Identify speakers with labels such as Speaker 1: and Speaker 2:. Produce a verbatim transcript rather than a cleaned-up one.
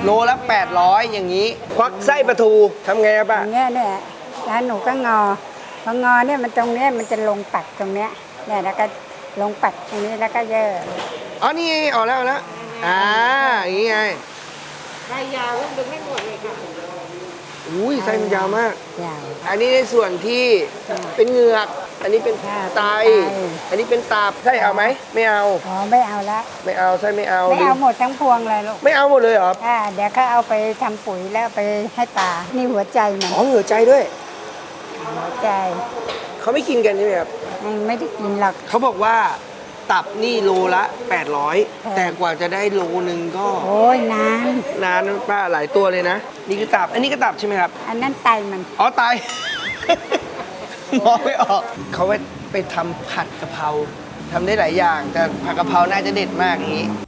Speaker 1: โลละแปดร้อยอย่างนี้ ควักไส้ปลาทูทำไงครับป้า
Speaker 2: อย่างเงี้ยเนี่ยแล้วหนูก็งอพองอเนี่ยมันตรงเนี้ยมันจะลงปักตรงเนี้ยเนี่ยแล้วก็ลงปักตรงนี้แล้วก็เยอะ
Speaker 1: อ๋อนี่ไงออกแล้วออกแล้วอ่าอย่างนี้ไง
Speaker 3: ใบยาวก็ดึงไม่หมดเลยค่ะ
Speaker 1: อุ้ยไส้มันยาวมาก
Speaker 2: ยาว
Speaker 1: อันนี้ในส่วนที่เป็นเหงือก อันนี้เป็น
Speaker 2: ค่ะ
Speaker 1: ไต
Speaker 2: เป็นไต
Speaker 1: อันนี้เป็นตับไส้เอาไหมไม่เอา
Speaker 2: อ๋อไม่เอาละ
Speaker 1: ไม่เอาไส้ไม่เอา
Speaker 2: ไม่เอาหมดทั้งพวงเลยลูก
Speaker 1: ไม่เอาหมดเลยเหรอ
Speaker 2: อ่าเดี๋ยวเขาเอาไปทำปุ๋ยแล้วเอาไปให้ปลานี่หัวใจมัน
Speaker 1: อ๋อหัวใจด้วย
Speaker 2: หัวใจ
Speaker 1: เขาไม่กินกันใช่ไหมครับ
Speaker 2: ยังไม่ได้กินหรอก
Speaker 1: เขาบอกว่าตับนี่โลละแปดร้อย
Speaker 2: ค่ะ
Speaker 1: แต่กว่าจะได้โลนึงก็
Speaker 2: โอ้ยนาน
Speaker 1: นานนะป้าหลายตัวเลยนะ นี่คือตับ อันนี้ก็ตับใช่ไหมครับ
Speaker 2: อันนั้นไตมัน
Speaker 1: อ๋อตาย มองไม่ออก เขาไปไปทำผัดกะเพราทำได้หลายอย่าง แต่ผัดกะเพราน่าจะเด็ดมากอย่างนี้